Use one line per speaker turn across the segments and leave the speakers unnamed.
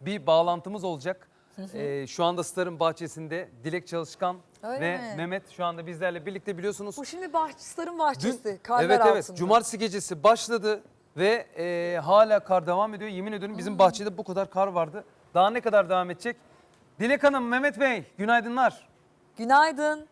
bir bağlantımız olacak. Şu anda Star'ın bahçesinde Dilek Çalışkan
Öyle
ve
mi?
Mehmet şu anda bizlerle birlikte, biliyorsunuz.
Bu şimdi Star'ın bahçesi. Karlar
Evet
altında.
cumartesi gecesi başladı ve hala kar devam ediyor. Yemin ediyorum bizim bahçede bu kadar kar vardı. Daha ne kadar devam edecek? Dilek Hanım, Mehmet Bey, günaydınlar.
Günaydın.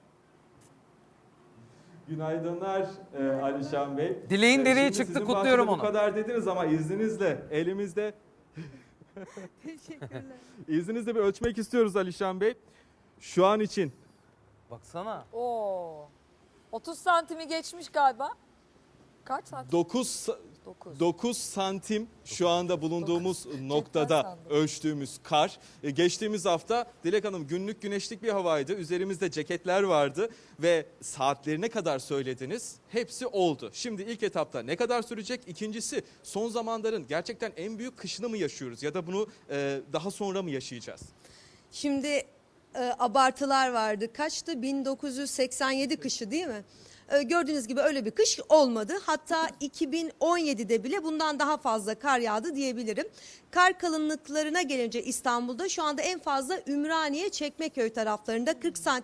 Günaydınlar Alişan Bey.
Dileğin direği
Şimdi
çıktı,
sizin
kutluyorum
bahçede
onu.
Bu kadar dediniz ama izninizle elimizde
Teşekkürler.
izninizle bir ölçmek istiyoruz Alişan Bey. Şu an için
Baksana.
Oo. 30 santimi geçmiş galiba. Kaç santim?
9
9.
santim şu anda bulunduğumuz noktada
sandım.
ölçtüğümüz kar. Geçtiğimiz hafta Dilek Hanım günlük güneşlik bir havaydı. Üzerimizde ceketler vardı ve saatlerine kadar söylediniz. Hepsi oldu. Şimdi ilk etapta ne kadar sürecek? İkincisi, son zamanların gerçekten en büyük kışını mı yaşıyoruz ya da bunu daha sonra mı yaşayacağız?
Şimdi abartılar vardı. Kaçtı? 1987 kışı değil mi? Gördüğünüz gibi öyle bir kış olmadı. Hatta 2017'de bile bundan daha fazla kar yağdı diyebilirim. Kar kalınlıklarına gelince İstanbul'da şu anda en fazla Ümraniye, Çekmeköy taraflarında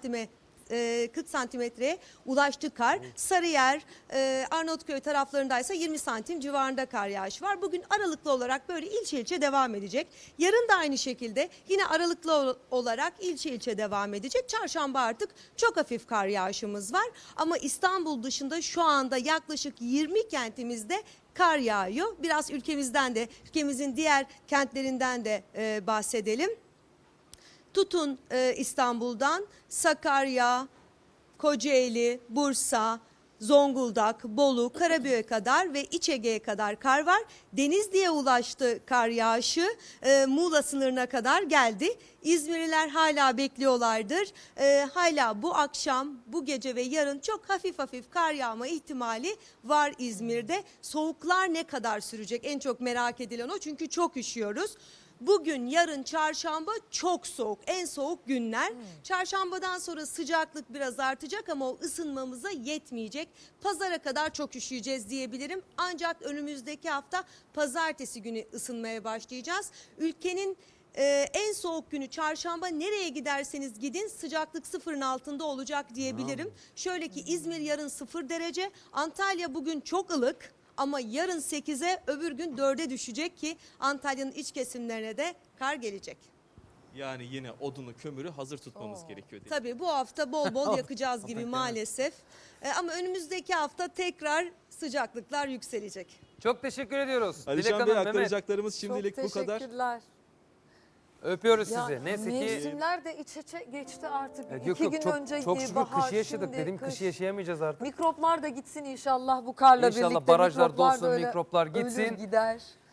40 santimetreye ulaştı kar. Sarıyer, Arnavutköy taraflarındaysa 20 santim civarında kar yağışı var. Bugün aralıklı olarak böyle ilçe ilçe devam edecek. Yarın da aynı şekilde yine aralıklı olarak ilçe ilçe devam edecek. Çarşamba artık çok hafif kar yağışımız var. Ama İstanbul dışında şu anda yaklaşık 20 kentimizde kar yağıyor. Biraz ülkemizden de, ülkemizin diğer kentlerinden de bahsedelim. Tutun İstanbul'dan Sakarya, Kocaeli, Bursa, Zonguldak, Bolu, Karabük'e kadar ve İç Ege'ye kadar kar var. Denizli'ye ulaştı kar yağışı, Muğla sınırına kadar geldi. İzmirliler hala bekliyorlardır. Hala bu akşam, bu gece ve yarın çok hafif hafif kar yağma ihtimali var İzmir'de. Soğuklar ne kadar sürecek? En çok merak edilen o, çünkü çok üşüyoruz. Bugün, yarın, çarşamba çok soğuk. En soğuk günler. Çarşambadan sonra sıcaklık biraz artacak ama o ısınmamıza yetmeyecek. Pazara kadar çok üşüyeceğiz diyebilirim. Ancak önümüzdeki hafta pazartesi günü ısınmaya başlayacağız. Ülkenin en soğuk günü çarşamba, nereye giderseniz gidin sıcaklık sıfırın altında olacak diyebilirim. Şöyle ki İzmir yarın 0 derece, Antalya bugün çok ılık. Ama yarın 8'e, öbür gün 4'e düşecek ki Antalya'nın iç kesimlerine de kar gelecek.
Yani yine odunu, kömürü hazır tutmamız gerekiyor.
Tabii bu hafta bol bol yakacağız gibi maalesef. Ama önümüzdeki hafta tekrar sıcaklıklar yükselecek.
Çok teşekkür ediyoruz. Dilek
Alişan Bey,
Hanım, Mehmet.
aktaracaklarımız şimdilik
Çok
bu kadar.
teşekkürler.
Öpüyoruz
Ya,
sizi. Neyse ki
mevsimler de iç içe geçti artık.
yok,
2 gün
çok,
önce
çok şükür
bahar,
kışı yaşadık.
şimdi
Dedim
kış.
kışı yaşayamayacağız artık.
Mikroplar da gitsin inşallah bu karla
İnşallah
birlikte.
barajlar
Mikroplar
dolsun,
da öyle
mikroplar
ölür
gitsin.
gider.